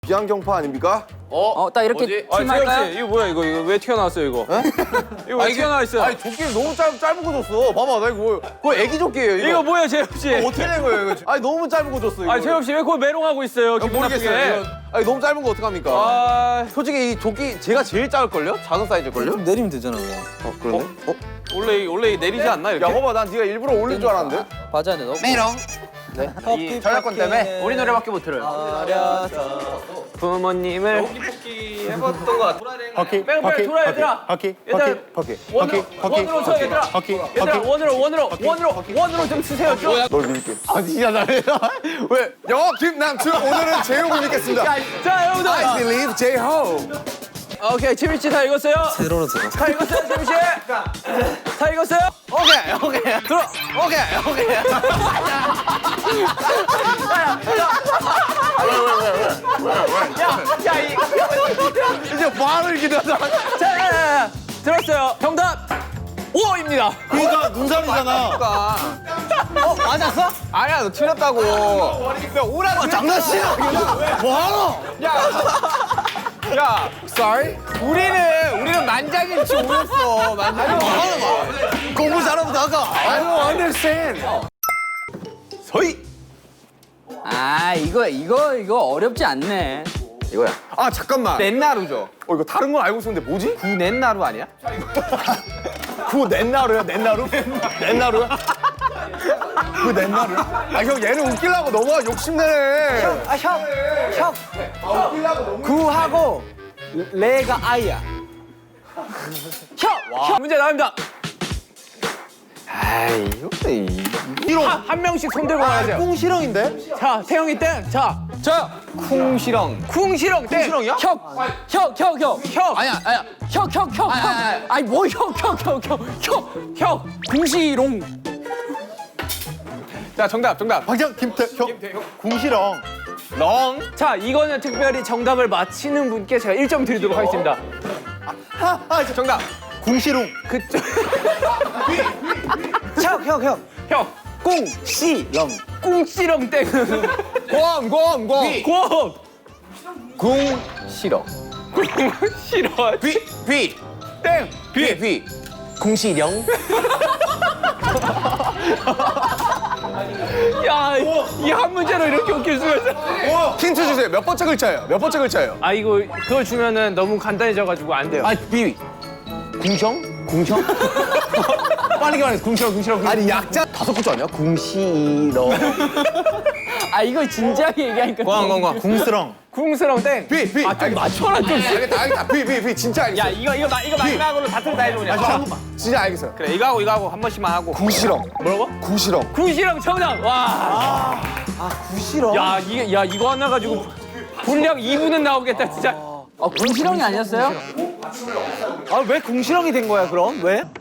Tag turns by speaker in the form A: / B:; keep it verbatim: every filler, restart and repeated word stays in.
A: 비안경파 아닙니까?
B: 어, 딱 이렇게
C: 아,
B: 팀할까요?
C: 씨, 이거 뭐야 이거 이거 왜 튀어나왔어요 이거? 이거 왜 튀어나와 있어요?
A: 아니 조끼를 너무 짧, 짧은 거 줬어. 봐봐 나 이거 그거 애기 조끼예요 이거.
C: 이거 뭐야 재엽 씨?
A: 어떻게 된 거예요 이거? 아니 너무 짧은 거 줬어 이거.
C: 아 재엽 씨왜 그걸 메롱하고 있어요? 기분
A: 모르겠어요.
C: 나쁘게.
A: 이거. 아니 너무 짧은 거 어떡합니까?
C: 아
A: 솔직히 이 조끼 제가 제일 작을걸요? 작은 사이즈일걸요?
D: 내리면 되잖아 그냥.
A: 어 그러네. 어?
C: 원래 원래 내리지 않나 이렇게?
A: 야 봐봐 난 네가 일부러 올릴 줄 알았는데.
D: 맞아, 내 너.
A: 메롱.
D: 이
A: 저작권 때문에?
B: 우리 노래밖에 못 들어요.
C: 부모님을
A: 해봤던 거 같아.
E: 허키,
C: 빼고 빼고 돌아 얘들아.
E: 허키,
C: 얘들아,
E: 허키, 허키,
C: 원으로
E: 허키, 허키,
C: 원으로 쳐 얘들아.
E: 허키,
C: 얘들아
E: 허키.
C: 원으로 원으로 원으로 원으로 좀 쓰세요 좀.
A: 널 믿을게. 아 진짜 잘해. 왜? 영어 김남춘 오늘은 제호를 믿겠습니다.
C: 자 여러분들.
A: I believe J-Ho.
C: 오케이 재민 씨다 읽었어요?
D: 세로로 들어.
C: 다 읽었어요 재민 씨? 다 읽었어요?
A: 오케이 오케이.
C: 들어.
A: 오케이 오케이.
C: 야 이.
A: 이제 말을 기다려.
C: 자, 자, 자, 자, 들었어요. 정답 오입니다.
E: 그러니까 눈살이잖아.
A: 어 맞았어? 아니야 너 틀렸다고. 야 오라고 장난치나. 뭐하노?
C: 야,
A: Sorry? 우리는 우리는 만장일치 오였어. 만장일치. 공부 잘하면 나가. I don't understand. 서희.
B: 아, 이거 이거 이거 어렵지 않네.
A: 이거야. 아 잠깐만. 넷나루죠. 어 이거 다른 건 알고 있었는데 뭐지?
C: 구넷나루 아니야?
A: 그거 넷나루야? 넷나루? 넷나루야? 그거 넷나루야? 아 형 얘는 웃기려고 너무 욕심내네.
D: 아, 형, 형. 구하고 레가 아이야.
C: 형, 문제 나갑니다.
A: 아이 이거
C: 한, 한 명씩 손 들고 가야죠.
A: 꽁시렁인데?
C: 자, 태영이 땡. 자, 저
A: 쿵시렁.
C: 쿵시렁 땡.
A: 쿵시렁이야?
B: 형, 형, 형, 형.
C: 형,
B: 아니야, 아니야. 형, 형, 형, 형. 아니 뭐 형, 형, 형, 형, 형, 형. 궁시롱.
C: 자, 정답, 정답.
E: 박정 김태형, 궁시렁.
C: 렁. 자, 이거는 특별히 정답을 맞히는 분께 제가 일 점 드리도록 하겠습니다. 정답.
E: 궁시렁.
C: 그쪽.
D: 형, 형, 형.
C: 형,
D: 꽁시렁.
C: 꿍시렁 땡.
A: 곰, 곰, 곰.
C: 곰.
A: 궁시렁.
C: 싫어.
A: 비, 비.
C: 땡.
A: 비, 비. 궁시렁.
C: 야, 이 한 문제로 이렇게 웃길 수가 있어.
A: 힌트 주세요. 몇 번째 글자예요? 몇 번째 글자예요?
C: 아, 이거 그걸 주면은 너무 간단해져가지고 안 돼요.
A: 아, 비. 궁성? 궁성? 빨리 말해. 궁시렁, 궁시렁. 아니 약자 다섯 글자 아니야? 궁시렁.
B: 아, 이거 진지하게 얘기하니까.
A: 광, 광, 광.
E: 궁스렁.
C: 궁스렁 땡.
A: 비, 비.
C: 아, 좀 맞춰라 좀.
A: 알겠다, 알겠다. 비, 비, 비. 진짜 알겠어.
C: 야, 이거 이거 마, 이거 마지막으로 다툴 다 해줘 그냥.
A: 진짜 알겠어요.
C: 그래, 이거 하고 이거 하고 한 번씩만 하고.
A: 궁시렁.
C: 뭐라고?
A: 궁시렁.
C: 궁시렁 정답. 와.
D: 구시렁.
C: 야, 이게 야 이거 하나 가지고 분량 이 분은 나오겠다 진짜.
B: 어, 궁시렁이 아니었어요?
D: 아, 왜 궁시렁이 된 거야, 그럼? 왜?